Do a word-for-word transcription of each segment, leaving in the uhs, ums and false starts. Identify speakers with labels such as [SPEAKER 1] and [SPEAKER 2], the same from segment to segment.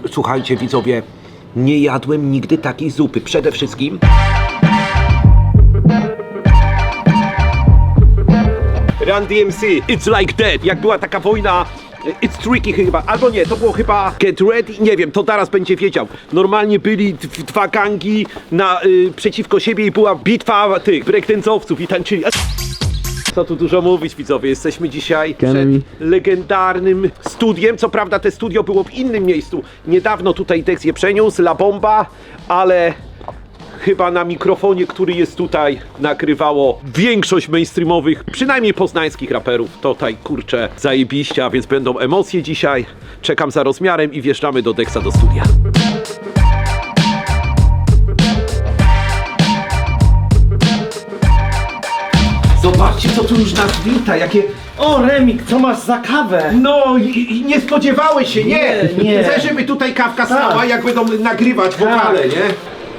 [SPEAKER 1] Słuchajcie widzowie, nie jadłem nigdy takiej zupy. Przede wszystkim Run D M C, It's Like That. Jak była taka wojna, It's Tricky chyba, albo nie, to było chyba Get Ready, nie wiem, to teraz będzie wiedział. Normalnie byli dwa gangi na, y, przeciwko siebie i była bitwa tych breakdance'owców i tańczyli. Co tu dużo mówić widzowie, jesteśmy dzisiaj przed legendarnym studiem. Co prawda te studio było w innym miejscu. Niedawno tutaj Dex je przeniósł, La Bomba, ale chyba na mikrofonie, który jest tutaj, nakrywało większość mainstreamowych, przynajmniej poznańskich raperów. Tutaj kurczę zajebiście, a więc będą emocje dzisiaj. Czekam za rozmiarem i wjeżdżamy do Dexa do studia. Zobaczcie, co tu już nas wita, jakie...
[SPEAKER 2] O, Remik, co masz za kawę?
[SPEAKER 1] No, i, i nie spodziewałeś się, nie?
[SPEAKER 2] Nie, nie.
[SPEAKER 1] Chcę, żeby tutaj kawka stała,
[SPEAKER 2] Tak.
[SPEAKER 1] jak będą nagrywać wokale, nie?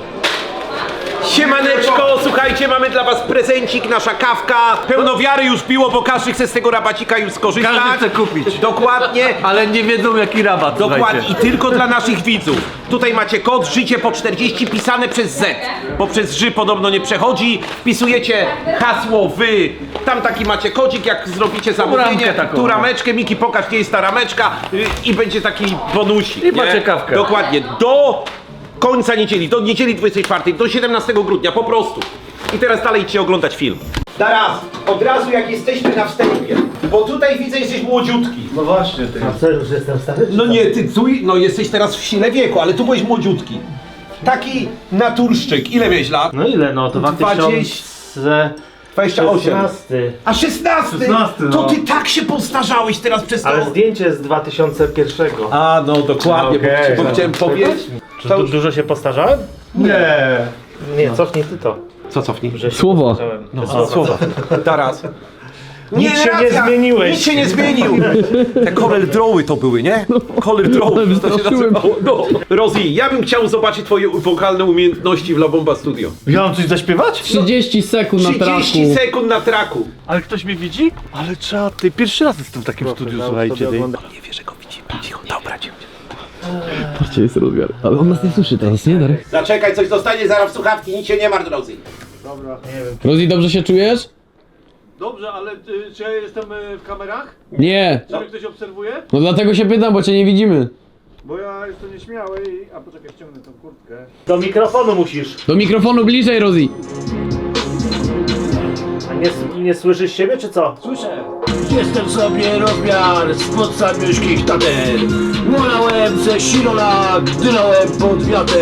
[SPEAKER 1] Siemaneczko, słuchajcie, mamy dla was prezencik, nasza kawka. Pełno wiary już piło, bo każdy chce z tego rabacika już skorzystać.
[SPEAKER 3] Każdy chce kupić.
[SPEAKER 1] Dokładnie.
[SPEAKER 3] Ale nie wiedzą jaki rabat.
[SPEAKER 1] Dokładnie
[SPEAKER 3] słuchajcie.
[SPEAKER 1] i tylko dla naszych widzów. Tutaj macie kod życie po czterdzieści pisane przez Z, bo przez Ży podobno nie przechodzi. Wpisujecie hasło wy. Tam taki macie kodzik, jak zrobicie zamówienie.
[SPEAKER 3] ramkę taką.
[SPEAKER 1] Tu rameczkę, Miki pokaż gdzie jest ta rameczka y, i będzie taki bonusik.
[SPEAKER 3] I macie kawkę.
[SPEAKER 1] Dokładnie. Do końca niedzieli, do niedzieli dwudziestej czwartej, do siedemnastego grudnia, po prostu. I teraz dalej idźcie oglądać film. Teraz, od razu jak jesteśmy na wstępie, bo tutaj widzę jesteś młodziutki.
[SPEAKER 2] No właśnie, ty. A co, już jestem stary?
[SPEAKER 1] No nie, ty tu, no jesteś teraz w sile wieku, ale tu byłeś młodziutki. Taki naturszczyk. Ile miałeś lat?
[SPEAKER 2] No ile no, to dwa tysiące
[SPEAKER 1] dwadzieścia osiem.
[SPEAKER 2] szesnasty.
[SPEAKER 1] A szesnasty?
[SPEAKER 2] szesnasty, no.
[SPEAKER 1] To ty tak się postarzałeś teraz przez to.
[SPEAKER 2] Ale zdjęcie z dwa tysiące pierwszego.
[SPEAKER 1] A no dokładnie, bo,
[SPEAKER 2] Okej,
[SPEAKER 1] bo
[SPEAKER 2] no.
[SPEAKER 1] chciałem powiedzieć.
[SPEAKER 2] Czy tu dużo się postarzałem? Nie. Nie, cofnij ty to.
[SPEAKER 1] Co cofnij?
[SPEAKER 2] Że się
[SPEAKER 4] Słowo.
[SPEAKER 2] postarzałem.
[SPEAKER 1] No, słowa. Teraz.
[SPEAKER 2] Nic się nie zmieniłeś.
[SPEAKER 1] Nic się nie zmienił. Te color drawy to były, nie? Color drawy, to się
[SPEAKER 4] wystraszyłem.
[SPEAKER 1] nazywało. No. Rozi, ja bym chciał zobaczyć twoje wokalne umiejętności w La Bomba Studio.
[SPEAKER 2] Ja mam coś zaśpiewać?
[SPEAKER 4] trzydzieści sekund na
[SPEAKER 1] trzydzieści
[SPEAKER 4] traku.
[SPEAKER 1] sekund na traku.
[SPEAKER 3] Ale ktoś mnie widzi? Ale trzeba, ty pierwszy raz jestem w takim studiu, słuchajcie. Ty.
[SPEAKER 1] Nie wie, że go widzimy. Cicho, dobra, cicho.
[SPEAKER 4] Patrzcie, jest rozmiar. Ale on nas nie słyszy teraz, nie Darek?
[SPEAKER 1] Zaczekaj, coś dostanie zaraz w słuchawki, nic się nie martw, Rozi.
[SPEAKER 4] Rozi, dobrze się czujesz?
[SPEAKER 3] Dobrze, ale y, czy ja jestem y, w kamerach?
[SPEAKER 4] Nie.
[SPEAKER 3] Czy mnie ktoś obserwuje?
[SPEAKER 4] No dlatego się pytam, bo cię nie widzimy.
[SPEAKER 3] Bo ja jestem nieśmiały i... A poczekaj, ściągnę tą kurtkę.
[SPEAKER 2] Do mikrofonu musisz.
[SPEAKER 4] Do mikrofonu bliżej, Rozi.
[SPEAKER 2] A nie, nie słyszysz siebie, czy co?
[SPEAKER 5] Słyszę. Jestem sobie rozmiar spod samiuszkich tater. Mulałem ze silona, gdynąłem pod wiatr.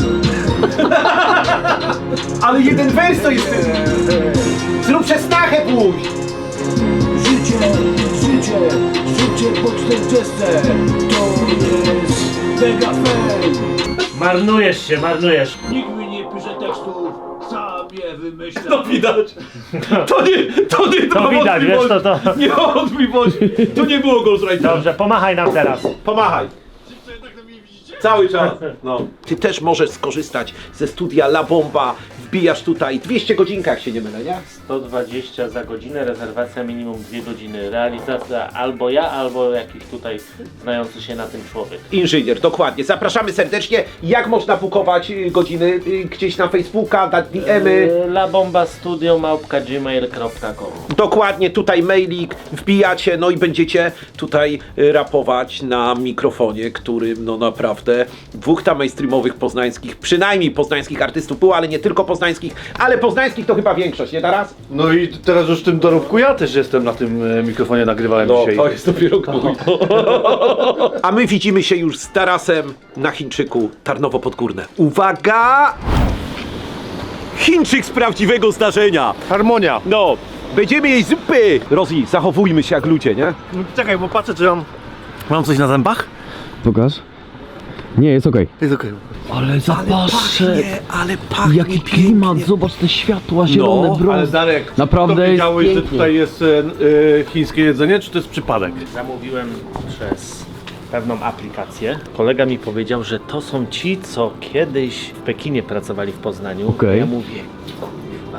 [SPEAKER 1] Ale jeden wers to jest ten. Zrób przesnachę pójść.
[SPEAKER 5] Życie, życie, życie po czterdziestce. To jest mega fame.
[SPEAKER 2] Marnujesz się, marnujesz.
[SPEAKER 5] Nikt mi nie pisze tekstów, sam je wymyślam.
[SPEAKER 1] To widać. To nie, to nie
[SPEAKER 2] To widać, wiesz, to to.
[SPEAKER 1] Nie ma wątpliwości. To nie było Ghostwritera.
[SPEAKER 2] Dobrze, pomachaj nam teraz.
[SPEAKER 1] Pomachaj. Cały czas. No. Ty też możesz skorzystać ze studia La Bomba. Wbijasz tutaj dwieście godzinkach, się nie mylę, nie?
[SPEAKER 2] sto dwadzieścia za godzinę, rezerwacja minimum dwie godziny. Realizacja albo ja, albo jakiś tutaj znający się na tym człowiek.
[SPEAKER 1] Inżynier, dokładnie. Zapraszamy serdecznie. Jak można bukować y, godziny? Y, Gdzieś na Facebooka, dać D M-y.
[SPEAKER 2] Yy, La Bomba Studio małpka gmail kropka com.
[SPEAKER 1] Dokładnie, tutaj mailik, wbijacie, no i będziecie tutaj y, rapować na mikrofonie, którym no naprawdę dwóch tam mainstreamowych poznańskich, przynajmniej poznańskich artystów było, ale nie tylko poznańskich, ale poznańskich to chyba większość, nie teraz?
[SPEAKER 3] No i teraz już w tym dorobku ja też jestem na tym e, mikrofonie, nagrywałem dzisiaj.
[SPEAKER 1] No, jest dopiero mój. A my widzimy się już z Tarasem na Chińczyku Tarnowo Podgórne. Uwaga! Chińczyk z prawdziwego zdarzenia.
[SPEAKER 3] Harmonia.
[SPEAKER 1] No, będziemy jeść zupy. Rozi, zachowujmy się jak ludzie, nie?
[SPEAKER 3] No, czekaj, bo patrzę, czy mam... Mam coś na zębach?
[SPEAKER 4] Pokaż. Nie, jest okej.
[SPEAKER 3] Jest okej.
[SPEAKER 4] Ale zapaszek.
[SPEAKER 1] ale pachnie
[SPEAKER 4] Jaki klimat, zobacz te światła zielone,
[SPEAKER 1] No,
[SPEAKER 4] brąz.
[SPEAKER 3] Ale Darek,
[SPEAKER 4] Naprawdę
[SPEAKER 3] to
[SPEAKER 4] jest
[SPEAKER 3] wiedziałeś, że
[SPEAKER 4] pięknie.
[SPEAKER 3] tutaj jest e, e, chińskie jedzenie, czy to jest przypadek?
[SPEAKER 2] Zamówiłem przez pewną aplikację. Kolega mi powiedział, że to są ci, co kiedyś w Pekinie pracowali w Poznaniu.
[SPEAKER 4] Okej.
[SPEAKER 2] Ja mówię, kurwa,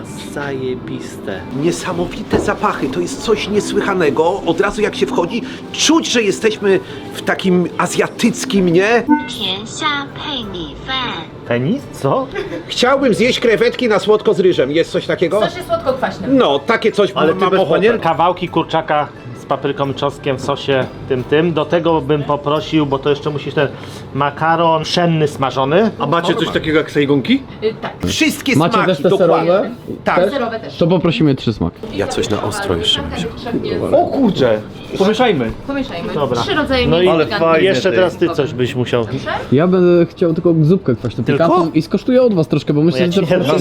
[SPEAKER 2] zajebiste.
[SPEAKER 1] Niesamowite zapachy, to jest coś niesłychanego. Od razu jak się wchodzi, czuć, że jesteśmy w takim azjatyckim, nie?
[SPEAKER 6] 甜虾配米饭。
[SPEAKER 2] Penis? Co?
[SPEAKER 1] Chciałbym zjeść krewetki na słodko z ryżem. Jest coś takiego?
[SPEAKER 7] W sosie słodko-kwaśnym.
[SPEAKER 1] No, takie coś
[SPEAKER 3] Ale ty
[SPEAKER 1] mam
[SPEAKER 3] bez
[SPEAKER 1] ochotę.
[SPEAKER 3] panierki?
[SPEAKER 2] Kawałki kurczaka z papryką i czosnkiem w sosie tym, tym. Do tego bym poprosił, bo to jeszcze musisz ten makaron pszenny smażony.
[SPEAKER 3] A macie coś takiego jak sejgonki?
[SPEAKER 7] Y, tak.
[SPEAKER 1] Wszystkie
[SPEAKER 4] Macie
[SPEAKER 1] smaki,
[SPEAKER 4] też te
[SPEAKER 1] dokładnie.
[SPEAKER 4] serowe?
[SPEAKER 1] Tak.
[SPEAKER 4] Też?
[SPEAKER 7] Serowe też.
[SPEAKER 4] To poprosimy trzy smaki.
[SPEAKER 1] Ja coś na ostro jeszcze
[SPEAKER 3] O kurczę, pomieszajmy.
[SPEAKER 7] Pomieszajmy.
[SPEAKER 2] Dobra.
[SPEAKER 7] Trzy rodzaje
[SPEAKER 2] No
[SPEAKER 7] mięsa
[SPEAKER 2] i
[SPEAKER 3] Ale
[SPEAKER 7] pikantnych.
[SPEAKER 3] fajnie.
[SPEAKER 2] jeszcze
[SPEAKER 3] ty.
[SPEAKER 2] teraz ty coś byś musiał.
[SPEAKER 4] Ja będę chciał tylko zupkę kwaśną
[SPEAKER 2] Tylko?
[SPEAKER 4] pikantną i skosztuję od was troszkę, bo myślę,
[SPEAKER 2] ja ci
[SPEAKER 4] że...
[SPEAKER 2] nie dam.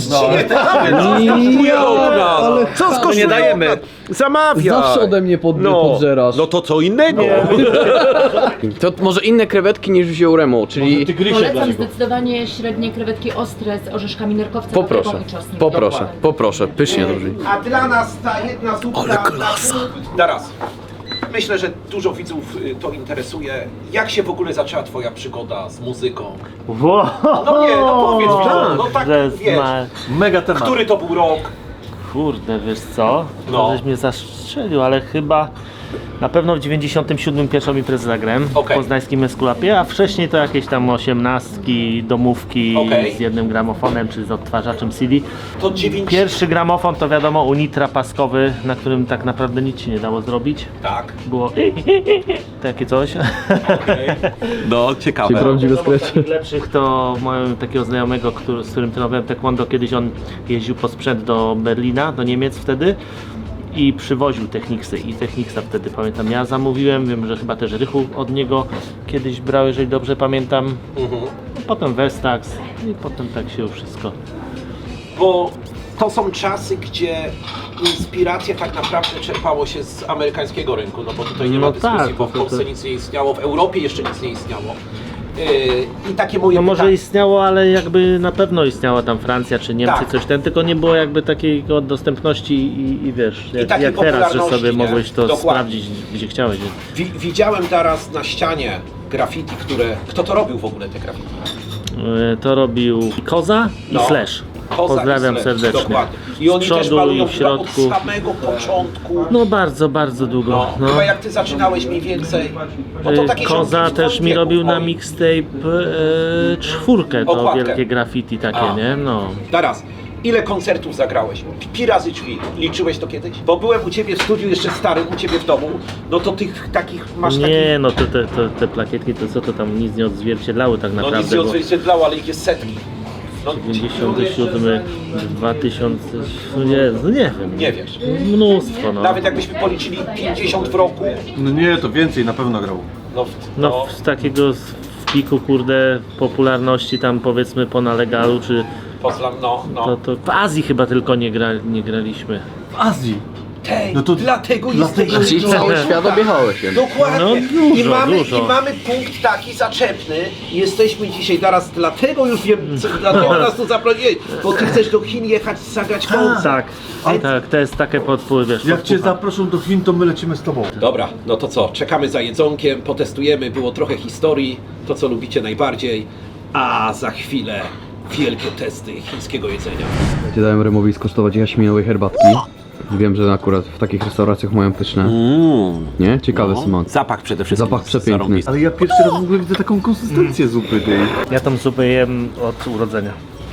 [SPEAKER 4] ale
[SPEAKER 1] Co
[SPEAKER 4] cha-
[SPEAKER 1] skosztują?
[SPEAKER 3] nie dajemy.
[SPEAKER 1] Zamawia.
[SPEAKER 4] Zawsze ode mnie pod, podżerasz.
[SPEAKER 1] No to co innego.
[SPEAKER 4] To może inne krewetki niż wziął Remo, czyli...
[SPEAKER 7] Polecam zdecydowanie średnie krewetki ostre z orzeszkami nerkowca,
[SPEAKER 4] Poproszę,
[SPEAKER 7] papryką i czosnkiem.
[SPEAKER 4] poproszę, poproszę, pysznie to brzmi.
[SPEAKER 1] A dla nas ta jedna zupka... Ale klasa. Teraz. Myślę, że dużo widzów y, to interesuje. Jak się w ogóle zaczęła twoja przygoda z muzyką?
[SPEAKER 2] Wow.
[SPEAKER 1] No nie, no powiedz mi, no, no tak
[SPEAKER 2] Że
[SPEAKER 1] wiesz.
[SPEAKER 2] zna-
[SPEAKER 3] Mega temat.
[SPEAKER 1] Który to był rok?
[SPEAKER 2] Kurde, wiesz co?
[SPEAKER 1] No.
[SPEAKER 2] No. Żeś mnie zastrzelił, ale chyba na pewno w dziewięćdziesiątym siódmym pierwszą imprezę zagrałem
[SPEAKER 1] Okej.
[SPEAKER 2] w poznańskim Eskulapie, a wcześniej to jakieś tam osiemnastki, domówki
[SPEAKER 1] Okej.
[SPEAKER 2] z jednym gramofonem czy z odtwarzaczem C D.
[SPEAKER 1] To dziewięć...
[SPEAKER 2] Pierwszy gramofon to wiadomo Unitra paskowy, na którym tak naprawdę nic się nie dało zrobić.
[SPEAKER 1] Tak.
[SPEAKER 2] Było takie coś.
[SPEAKER 1] No,
[SPEAKER 4] Czyli
[SPEAKER 1] ciekawe.
[SPEAKER 4] prawdziwe
[SPEAKER 2] Z
[SPEAKER 4] skrecze.
[SPEAKER 2] takich lepszych to mają takiego znajomego, który, z którym trenowałem taekwondo, kiedyś on jeździł po sprzęt do Berlina, do Niemiec wtedy i przywoził Technicsy i Technicsa wtedy pamiętam ja zamówiłem, wiem, że chyba też Rychu od niego kiedyś brał, jeżeli dobrze pamiętam.
[SPEAKER 1] Mhm.
[SPEAKER 2] Potem Vestax i potem tak się wszystko.
[SPEAKER 1] Bo to są czasy, gdzie inspiracja tak naprawdę czerpało się z amerykańskiego rynku, no bo tutaj nie ma
[SPEAKER 2] No
[SPEAKER 1] dyskusji,
[SPEAKER 2] tak,
[SPEAKER 1] bo w
[SPEAKER 2] to- to-
[SPEAKER 1] Polsce nic nie istniało, w Europie jeszcze nic nie istniało. Yy, I takie moje
[SPEAKER 2] No może
[SPEAKER 1] pytanie.
[SPEAKER 2] istniało, ale jakby na pewno istniała tam Francja czy Niemcy,
[SPEAKER 1] Tak.
[SPEAKER 2] coś ten, tylko nie było jakby takiej dostępności i, i wiesz, jak,
[SPEAKER 1] takiej
[SPEAKER 2] jak teraz, że
[SPEAKER 1] popularności,
[SPEAKER 2] sobie
[SPEAKER 1] nie?
[SPEAKER 2] mogłeś to
[SPEAKER 1] Dokładnie.
[SPEAKER 2] sprawdzić gdzie chciałeś.
[SPEAKER 1] Wi- widziałem teraz na ścianie graffiti, które... Kto to robił w ogóle te graffiti?
[SPEAKER 2] E, To robił Koza i
[SPEAKER 1] No.
[SPEAKER 2] Slash.
[SPEAKER 1] Koza
[SPEAKER 2] Pozdrawiam
[SPEAKER 1] i Slash,
[SPEAKER 2] serdecznie.
[SPEAKER 1] Dokładnie. I oni
[SPEAKER 2] Z
[SPEAKER 1] też
[SPEAKER 2] przodu
[SPEAKER 1] malują
[SPEAKER 2] i w
[SPEAKER 1] chyba od
[SPEAKER 2] środku.
[SPEAKER 1] samego początku.
[SPEAKER 2] No bardzo, bardzo długo.
[SPEAKER 1] No,
[SPEAKER 2] No.
[SPEAKER 1] chyba jak ty zaczynałeś mniej więcej. No to
[SPEAKER 2] E,
[SPEAKER 1] takie
[SPEAKER 2] Koza
[SPEAKER 1] ziomki w
[SPEAKER 2] też
[SPEAKER 1] twoim
[SPEAKER 2] mi
[SPEAKER 1] wieku
[SPEAKER 2] robił na
[SPEAKER 1] moim.
[SPEAKER 2] mixtape e, czwórkę, to
[SPEAKER 1] Okładkę.
[SPEAKER 2] wielkie graffiti takie,
[SPEAKER 1] A.
[SPEAKER 2] nie? No.
[SPEAKER 1] Teraz, ile koncertów zagrałeś? Pi razy drzwi. Liczyłeś to kiedyś? Bo byłem u ciebie w studiu jeszcze starym, u ciebie w domu. No to tych takich masz takich...
[SPEAKER 2] Nie, no to te, te, te plakietki, to co to tam nic nie odzwierciedlały tak
[SPEAKER 1] No nic
[SPEAKER 2] naprawdę,
[SPEAKER 1] nie
[SPEAKER 2] bo
[SPEAKER 1] odzwierciedlało, ale ich jest setki. No,
[SPEAKER 2] dziewięćdziesiąty siódmy, dwa tysiące, no nie, no nie wiem.
[SPEAKER 1] nie wiesz.
[SPEAKER 2] Mnóstwo, no.
[SPEAKER 1] Nawet jakbyśmy policzyli pięćdziesiąt w roku.
[SPEAKER 3] No nie, to więcej na pewno grał.
[SPEAKER 1] No,
[SPEAKER 2] No
[SPEAKER 1] no,
[SPEAKER 2] z takiego z- w piku, kurde, popularności tam powiedzmy po nalegalu, czy
[SPEAKER 1] pozlam, no, no.
[SPEAKER 2] to, to w Azji chyba tylko nie, gra, nie graliśmy.
[SPEAKER 3] W Azji.
[SPEAKER 1] Tej,
[SPEAKER 3] No to
[SPEAKER 1] dlatego
[SPEAKER 3] dlatego
[SPEAKER 1] jesteśmy...
[SPEAKER 4] Czyli cały świat objechałeś jednak.
[SPEAKER 1] Dokładnie.
[SPEAKER 2] No,
[SPEAKER 1] I,
[SPEAKER 2] dużo,
[SPEAKER 1] mamy,
[SPEAKER 2] dużo.
[SPEAKER 1] I mamy punkt taki zaczepny. Jesteśmy dzisiaj teraz, dlatego już wiem, co, dlatego nas tu zaprosiłeś. Bo ty chcesz do Chin jechać, zagrać koncert.
[SPEAKER 2] Tak, tak, to jest takie podpływ, wiesz,
[SPEAKER 3] Jak cię
[SPEAKER 2] podpucha.
[SPEAKER 3] zaproszą do Chin, to my lecimy z tobą.
[SPEAKER 1] Dobra, no to co? Czekamy za jedzonkiem, potestujemy, było trochę historii, to co lubicie najbardziej, a za chwilę wielkie testy chińskiego jedzenia.
[SPEAKER 4] Ja dałem Remowi skosztować jaśminowej herbatki. Wiem, że akurat w takich restauracjach mają pyszne. Nie? Ciekawy smak.
[SPEAKER 1] Zapach przede wszystkim.
[SPEAKER 4] Zapach przepiękny.
[SPEAKER 1] zarąbisty.
[SPEAKER 3] Ale ja pierwszy raz w ogóle widzę taką konsystencję zupy tej.
[SPEAKER 2] Ja tą zupę jem od urodzenia.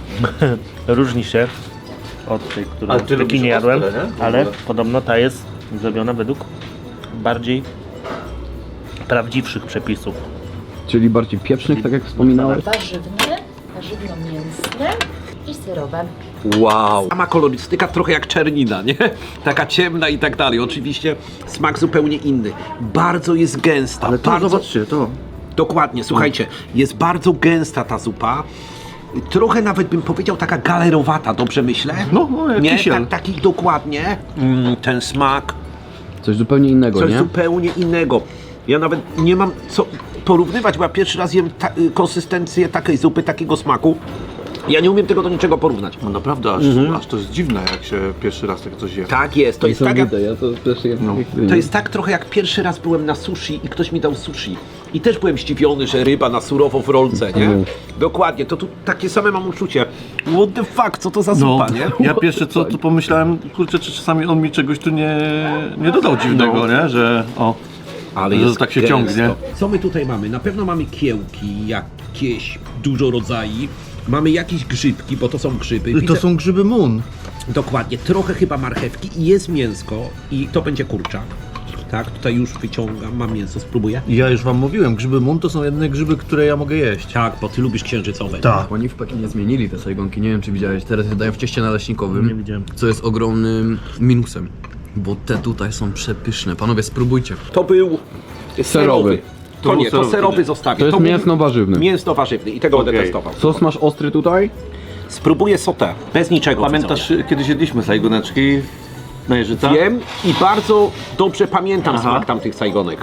[SPEAKER 2] Różni się od tej, którą
[SPEAKER 3] Ale
[SPEAKER 2] w
[SPEAKER 3] ty lubisz
[SPEAKER 2] Pekinie jadłem,
[SPEAKER 3] ostre, nie? W
[SPEAKER 2] ale
[SPEAKER 3] ogóle.
[SPEAKER 2] podobno ta jest zrobiona według bardziej prawdziwszych przepisów.
[SPEAKER 4] Czyli bardziej pieprznych, tak jak wspominałeś.
[SPEAKER 7] Warzywne, warzywno-mięsne i serowe.
[SPEAKER 1] Wow. Sama kolorystyka trochę jak czernina, nie? Taka ciemna i tak dalej. Oczywiście smak zupełnie inny. Bardzo jest gęsta.
[SPEAKER 3] Ale to
[SPEAKER 1] bardzo...
[SPEAKER 3] zobaczcie, to.
[SPEAKER 1] Dokładnie, słuchajcie, jest bardzo gęsta ta zupa. Trochę nawet bym powiedział taka galerowata, dobrze myślę?
[SPEAKER 3] No, no, jak
[SPEAKER 1] nie,
[SPEAKER 3] kisiel.
[SPEAKER 1] tak, taki dokładnie. Mm, ten smak,
[SPEAKER 4] Coś zupełnie innego,
[SPEAKER 1] coś
[SPEAKER 4] nie?
[SPEAKER 1] zupełnie innego. Ja nawet nie mam co porównywać, bo ja pierwszy raz jem ta, y, konsystencję takiej zupy, takiego smaku. Ja nie umiem tego do niczego porównać.
[SPEAKER 3] No naprawdę, aż, aż to jest dziwne, jak się pierwszy raz tak coś je.
[SPEAKER 1] Tak jest, to jest tak jak,
[SPEAKER 4] ja to też jem.
[SPEAKER 3] No.
[SPEAKER 1] to jest tak trochę jak pierwszy raz byłem na sushi i ktoś mi dał sushi. I też byłem zdziwiony, że ryba na surowo w rolce, nie?
[SPEAKER 4] Mhm.
[SPEAKER 1] Dokładnie, to tu takie same mam uczucie. What the fuck, co to za
[SPEAKER 3] No,
[SPEAKER 1] zupa, nie?
[SPEAKER 3] ja pierwsze co tu pomyślałem, kurczę, czy czasami on mi czegoś tu nie, nie dodał dziwnego,
[SPEAKER 1] No.
[SPEAKER 3] nie? Że o,
[SPEAKER 1] Ale
[SPEAKER 3] że
[SPEAKER 1] jest
[SPEAKER 3] tak się
[SPEAKER 1] gęsto.
[SPEAKER 3] ciągnie.
[SPEAKER 1] Co my tutaj mamy? Na pewno mamy kiełki, jakieś dużo rodzajów. Mamy jakieś grzybki, bo to są grzyby.
[SPEAKER 8] To
[SPEAKER 1] Widzę-
[SPEAKER 8] są grzyby mun.
[SPEAKER 1] Dokładnie, trochę chyba marchewki i jest mięsko i to będzie kurczak. Tak, tutaj już wyciągam, mam mięso, spróbuję.
[SPEAKER 8] Ja już wam mówiłem, grzyby mun to są jedyne grzyby, które ja mogę jeść.
[SPEAKER 1] Tak, bo ty lubisz księżycowe.
[SPEAKER 8] Tak.
[SPEAKER 4] Oni w Pekinie zmienili te sajgonki, nie wiem czy widziałeś, teraz je dają w cieście naleśnikowym,
[SPEAKER 8] Nie widziałem.
[SPEAKER 4] co jest ogromnym minusem, bo te tutaj są przepyszne. Panowie, spróbujcie.
[SPEAKER 1] To był serowy. To,
[SPEAKER 3] To był
[SPEAKER 1] nie, to
[SPEAKER 3] serowy.
[SPEAKER 1] serowy zostawię.
[SPEAKER 4] To jest
[SPEAKER 1] był
[SPEAKER 4] mięsno-warzywny.
[SPEAKER 1] Mięsno-warzywny i tego będę
[SPEAKER 3] Okej.
[SPEAKER 1] testował.
[SPEAKER 4] Sos masz ostry tutaj?
[SPEAKER 1] Spróbuję sotę, bez niczego.
[SPEAKER 3] Pamiętasz, kiedyś jedliśmy sajgoneczki na Jeżyca?
[SPEAKER 1] widzowie. Wiem i bardzo dobrze pamiętam
[SPEAKER 3] Aha.
[SPEAKER 1] smak tamtych sajgonek.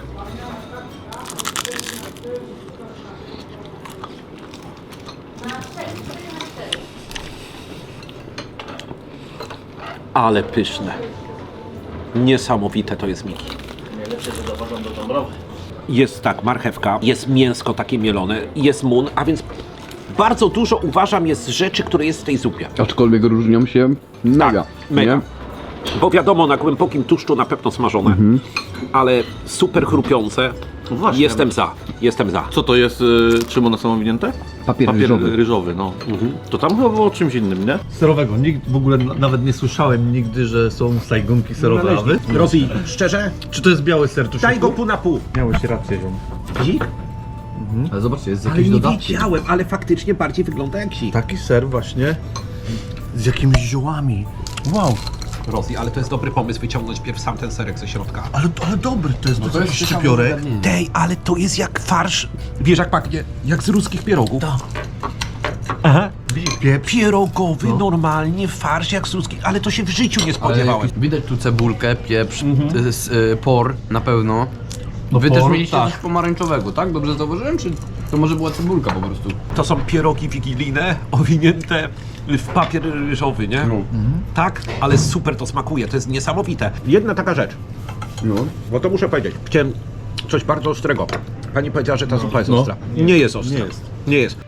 [SPEAKER 1] Ale pyszne. Niesamowite to jest, Miki.
[SPEAKER 2] Najlepsze to dowożą do Dąbrowy.
[SPEAKER 1] Jest tak, marchewka, jest mięsko takie mielone, jest mun, a więc bardzo dużo uważam jest rzeczy, które jest w tej zupie.
[SPEAKER 4] Aczkolwiek różnią się mega.
[SPEAKER 1] Mega.
[SPEAKER 4] nie?
[SPEAKER 1] Bo wiadomo, na głębokim tłuszczu na pewno smażone, ale super chrupiące.
[SPEAKER 3] No właśnie.
[SPEAKER 1] Jestem za, jestem za.
[SPEAKER 3] Co to jest, y, czym one są owinięte?
[SPEAKER 4] Papier
[SPEAKER 3] Papier
[SPEAKER 4] ryżowy.
[SPEAKER 3] ryżowy, no. To tam chyba było czymś innym, nie?
[SPEAKER 8] Serowego. Nikt w ogóle n- nawet nie słyszałem nigdy, że są sajgonki serowe. A wy?
[SPEAKER 1] Rozi, szczerze,
[SPEAKER 8] Czy to jest biały ser? To
[SPEAKER 1] daj go pół na pół.
[SPEAKER 8] Miałeś rację, ziom.
[SPEAKER 1] Zik?
[SPEAKER 4] Ale zobaczcie, jest
[SPEAKER 1] Ale
[SPEAKER 4] jakieś
[SPEAKER 1] nie
[SPEAKER 4] dodatki.
[SPEAKER 1] wiedziałem, ale faktycznie bardziej wygląda jak zik.
[SPEAKER 8] Taki ser właśnie z jakimiś ziołami. Wow,
[SPEAKER 1] Rozi, ale to jest dobry pomysł wyciągnąć pierw sam ten serek ze środka.
[SPEAKER 8] ale, ale dobry, to jest,
[SPEAKER 4] No
[SPEAKER 8] to
[SPEAKER 4] to
[SPEAKER 8] jest
[SPEAKER 4] jest
[SPEAKER 8] jakiś
[SPEAKER 4] ciekawe
[SPEAKER 8] szczypiorek.
[SPEAKER 4] zagadnienie.
[SPEAKER 1] Tej, ale to jest jak farsz. Wiesz jak pachnie? Jak z ruskich pierogów.
[SPEAKER 8] Aha, widzisz, pieprz.
[SPEAKER 1] Pierogowy, normalnie farsz jak z ruskich, ale to się w życiu nie
[SPEAKER 4] Ale
[SPEAKER 1] spodziewałem.
[SPEAKER 4] widać tu cebulkę, pieprz, y, s- y, por na pewno.
[SPEAKER 8] No
[SPEAKER 4] Wy
[SPEAKER 8] por,
[SPEAKER 4] też mieliście
[SPEAKER 1] tak.
[SPEAKER 4] coś pomarańczowego, tak? Dobrze zauważyłem? Czy to może była cebulka po prostu?
[SPEAKER 1] To są pierogi wigilijne, owinięte w papier ryżowy, nie? Tak, ale super to smakuje, to jest niesamowite. Jedna taka rzecz,
[SPEAKER 4] No.
[SPEAKER 1] bo to muszę powiedzieć. Chciałem coś bardzo ostrego. Pani powiedziała, że ta zupa jest
[SPEAKER 8] No.
[SPEAKER 1] ostra. Nie jest ostra.
[SPEAKER 8] Nie jest.
[SPEAKER 1] Nie jest.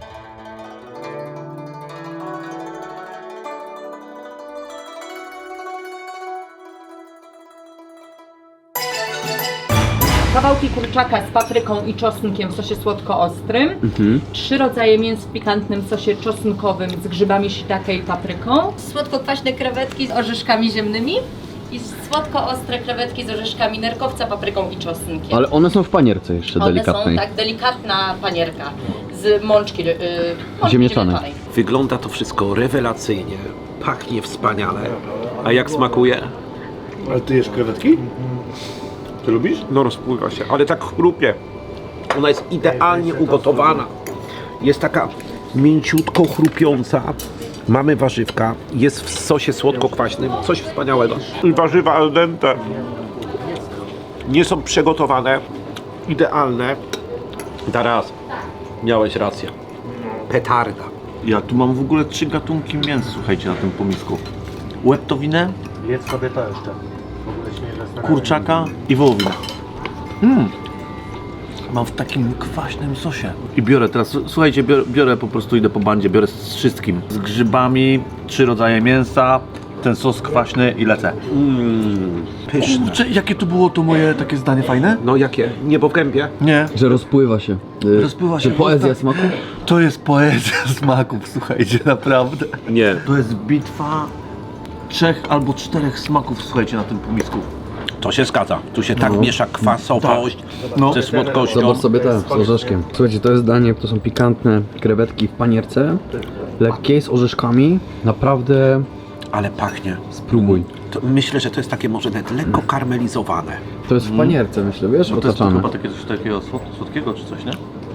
[SPEAKER 7] Kawałki kurczaka z papryką i czosnkiem w sosie słodko-ostrym. Trzy rodzaje mięs w pikantnym sosie czosnkowym z grzybami shiitake i papryką. Słodko-kwaśne krewetki z orzeszkami ziemnymi. I słodko-ostre krewetki z orzeszkami nerkowca, papryką i czosnkiem.
[SPEAKER 4] Ale one są w panierce jeszcze
[SPEAKER 7] One
[SPEAKER 4] delikatnej.
[SPEAKER 7] są tak, delikatna panierka z mączki, yy, mączki
[SPEAKER 4] Ziemniaczanej.
[SPEAKER 1] Wygląda to wszystko rewelacyjnie, pachnie wspaniale. A jak smakuje?
[SPEAKER 3] Ale ty jesz krewetki? Ty lubisz?
[SPEAKER 1] No rozpływa się, ale tak chrupie. Ona jest idealnie ugotowana. Jest taka mięciutko chrupiąca. Mamy warzywka, jest w sosie słodko-kwaśnym, coś wspaniałego. I warzywa al dente. Nie są przygotowane, idealne. Teraz miałeś rację. Petarda.
[SPEAKER 3] Ja tu mam w ogóle trzy gatunki mięs, słuchajcie, na tym pomisku. Łeptowinę,
[SPEAKER 8] Jedz sobie to jeszcze.
[SPEAKER 3] kurczaka i wołowinę. Mm. Mam w takim kwaśnym sosie. I biorę teraz, słuchajcie, biorę, biorę po prostu, idę po bandzie, biorę z wszystkim. Z grzybami, trzy rodzaje mięsa, ten sos kwaśny i lecę.
[SPEAKER 1] Mmm, pyszne.
[SPEAKER 3] Kurczę, jakie to było to moje takie zdanie fajne?
[SPEAKER 1] No jakie? Niebo w gębie?
[SPEAKER 3] Nie.
[SPEAKER 4] Że rozpływa się. Y,
[SPEAKER 3] Rozpływa
[SPEAKER 4] Czy
[SPEAKER 3] się
[SPEAKER 4] poezja
[SPEAKER 3] usta.
[SPEAKER 4] smaku?
[SPEAKER 3] To jest poezja smaków, słuchajcie, naprawdę.
[SPEAKER 1] Nie.
[SPEAKER 3] To jest bitwa trzech albo czterech smaków, słuchajcie, na tym pomisku.
[SPEAKER 1] To się zgadza. Tu się tak miesza kwasowość
[SPEAKER 3] No.
[SPEAKER 1] ze słodkością.
[SPEAKER 4] Zobacz sobie te z orzeszkiem. Słuchajcie, to jest danie, to są pikantne krewetki w panierce, lekkie z orzeszkami. Naprawdę
[SPEAKER 1] Ale pachnie.
[SPEAKER 4] spróbuj.
[SPEAKER 1] To myślę, że to jest takie może nawet lekko karmelizowane.
[SPEAKER 4] To jest w panierce, myślę, wiesz,
[SPEAKER 3] No to jest to
[SPEAKER 4] otaczane.
[SPEAKER 3] chyba takie coś takiego słod- słodkiego czy coś, nie?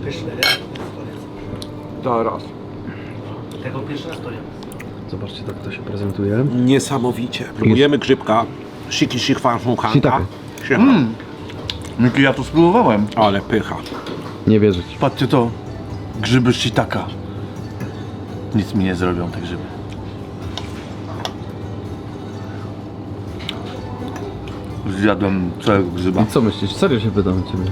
[SPEAKER 1] Teraz.
[SPEAKER 2] Tego pierwszy raz to jem.
[SPEAKER 4] Zobaczcie, tak to się prezentuje.
[SPEAKER 1] Niesamowicie. Próbujemy grzybka. Shiki shichwanshunkanka.
[SPEAKER 4] Shiitake.
[SPEAKER 3] Miki, ja to spróbowałem.
[SPEAKER 1] Ale pycha.
[SPEAKER 4] Nie wierzyć.
[SPEAKER 3] Patrzcie to. Grzyby shiitaka. Nic mi nie zrobią te grzyby. Zjadłem całego grzyba.
[SPEAKER 4] I co myślisz? Serio się pytam ciebie.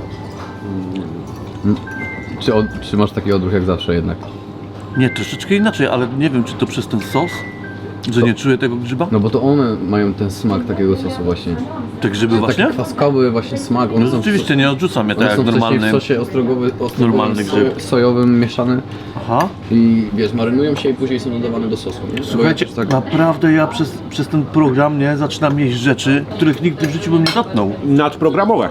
[SPEAKER 4] Mm. Czy, od, czy masz taki odruch jak zawsze jednak?
[SPEAKER 3] Nie, troszeczkę inaczej, ale nie wiem, czy to przez ten sos, że nie czuję tego grzyba?
[SPEAKER 4] No bo to one mają ten smak takiego sosu właśnie.
[SPEAKER 3] Te grzyby właśnie?
[SPEAKER 4] Taki kwaskowy właśnie smak. One
[SPEAKER 3] No
[SPEAKER 4] są
[SPEAKER 3] rzeczywiście, nie odrzucam je
[SPEAKER 4] One
[SPEAKER 3] tak
[SPEAKER 4] są
[SPEAKER 3] jak
[SPEAKER 4] wcześniej
[SPEAKER 3] normalny.
[SPEAKER 4] w sosie ostrogowy, ostrogowym,
[SPEAKER 3] normalny grzyb.
[SPEAKER 4] so, sojowym mieszane
[SPEAKER 3] Aha.
[SPEAKER 4] i wiesz, marynują się i później są dodawane do sosu, nie?
[SPEAKER 3] Słuchajcie,
[SPEAKER 4] Bo tak,
[SPEAKER 3] naprawdę ja przez, przez ten program nie zaczynam jeść rzeczy, których nigdy w życiu bym nie dotknął.
[SPEAKER 1] Nadprogramowe.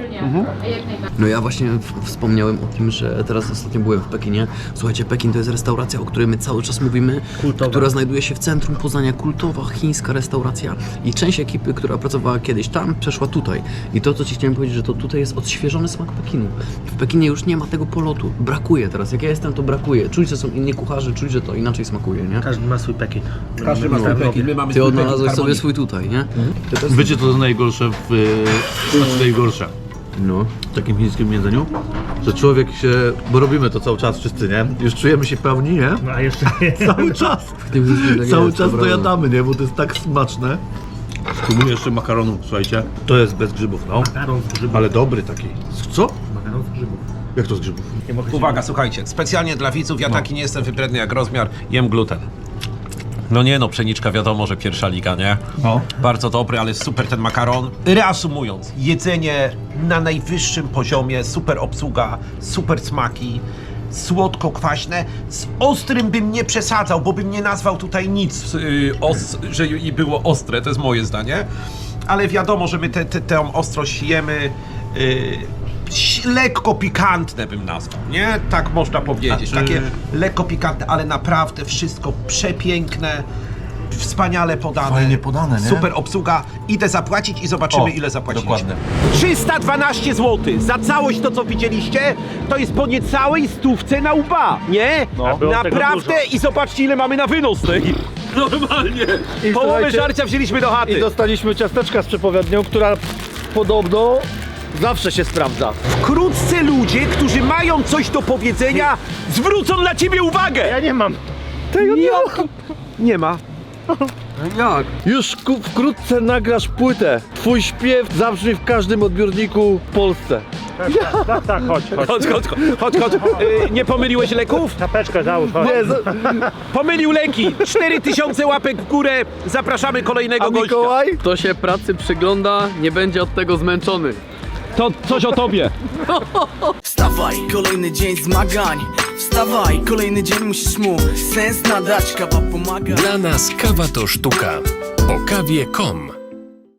[SPEAKER 4] No ja właśnie w- wspomniałem o tym, że teraz ostatnio byłem w Pekinie. Słuchajcie, Pekin to jest restauracja, o której my cały czas mówimy, która znajduje się w centrum Poznania, kultowa chińska restauracja i część ekipy, która pracowała kiedyś tam, przeszła tutaj. I to, co ci chciałem powiedzieć, że to tutaj jest odświeżony smak Pekinu. W Pekinie już nie ma tego polotu. Brakuje teraz. Jak ja jestem, to brakuje. Czuć, że są inni kucharze, czuć, że to inaczej smakuje, nie?
[SPEAKER 2] Każdy ma swój Pekin.
[SPEAKER 1] Każdy ma swój Pekin, my mamy
[SPEAKER 4] Ty
[SPEAKER 1] swój Pekin
[SPEAKER 4] odnalazłeś sobie
[SPEAKER 1] harmonii.
[SPEAKER 4] swój tutaj, nie?
[SPEAKER 3] Wiecie co jest najgorsze w... Yy, znaczy najgorsze
[SPEAKER 4] No.
[SPEAKER 3] w takim chińskim jedzeniu? Że człowiek się... bo robimy to cały czas wszyscy, nie? Już czujemy się pełni, nie?
[SPEAKER 2] No a jeszcze
[SPEAKER 3] Cały czas!
[SPEAKER 4] W tym chińskim tak
[SPEAKER 3] Cały
[SPEAKER 4] jest,
[SPEAKER 3] czas to
[SPEAKER 4] prawda.
[SPEAKER 3] jadamy, nie? Bo to jest tak smaczne. Spróbuję jeszcze makaronu, słuchajcie. To jest bez grzybów, no.
[SPEAKER 2] makaron z grzybów.
[SPEAKER 3] Ale dobry taki. Z co?
[SPEAKER 2] Makaron z grzybów.
[SPEAKER 3] Jak to z grzybów?
[SPEAKER 2] Nie mogę się...
[SPEAKER 1] Uwaga, słuchajcie, specjalnie dla widzów, ja taki nie jestem wybredny jak rozmiar, jem gluten. No nie no, pszeniczka wiadomo, że pierwsza liga, nie?
[SPEAKER 3] No.
[SPEAKER 1] Bardzo dobry, ale super ten makaron. Reasumując, jedzenie na najwyższym poziomie, super obsługa, super smaki, słodko-kwaśne. Z ostrym bym nie przesadzał, bo bym nie nazwał tutaj nic, yy, os, że i było ostre, to jest moje zdanie. Ale wiadomo, że my tę te, te, tę ostrość jemy. Yy, lekko pikantne bym nazwał, nie? Tak można powiedzieć.
[SPEAKER 3] A czy-
[SPEAKER 1] Takie lekko pikantne, ale naprawdę wszystko przepiękne, wspaniale podane.
[SPEAKER 3] Fajnie podane, nie?
[SPEAKER 1] Super obsługa. Idę zapłacić i zobaczymy,
[SPEAKER 3] O,
[SPEAKER 1] ile zapłaciliśmy.
[SPEAKER 3] dokładnie.
[SPEAKER 1] trzysta dwanaście złotych za całość to, co widzieliście, to jest po niecałej stówce na łba, nie?
[SPEAKER 2] No. Było tego
[SPEAKER 1] Naprawdę
[SPEAKER 2] dużo.
[SPEAKER 1] i zobaczcie, ile mamy na wynos tej. Normalnie.
[SPEAKER 8] I
[SPEAKER 1] Połowę
[SPEAKER 8] słuchajcie,
[SPEAKER 1] żarcia wzięliśmy do chaty.
[SPEAKER 8] I dostaliśmy ciasteczka z przepowiednią, która podobno zawsze się sprawdza.
[SPEAKER 1] Wkrótce ludzie, którzy mają coś do powiedzenia, zwrócą na ciebie uwagę.
[SPEAKER 2] Ja nie mam.
[SPEAKER 8] Tego nie
[SPEAKER 1] Nie ma.
[SPEAKER 4] Jak?
[SPEAKER 8] Już ku- wkrótce nagrasz płytę. Twój śpiew zabrzmi w każdym odbiorniku w Polsce.
[SPEAKER 2] Tak, tak, chodź, chodź.
[SPEAKER 1] Chodź, chodź, chodź, chodź. Yy, nie pomyliłeś leków?
[SPEAKER 2] Czapeczkę załóż, chodź.
[SPEAKER 8] Nie, za-
[SPEAKER 1] Pomylił leki. cztery tysiące łapek w górę. Zapraszamy kolejnego
[SPEAKER 8] a
[SPEAKER 1] gościa.
[SPEAKER 8] Mikołaj?
[SPEAKER 4] Kto się pracy przygląda, nie będzie od tego zmęczony.
[SPEAKER 1] To coś o tobie.
[SPEAKER 9] Wstawaj, kolejny dzień zmagań. Wstawaj, kolejny dzień musisz mu sens nadać. Kawa pomaga.
[SPEAKER 10] Dla nas kawa to sztuka. O kawie kropka com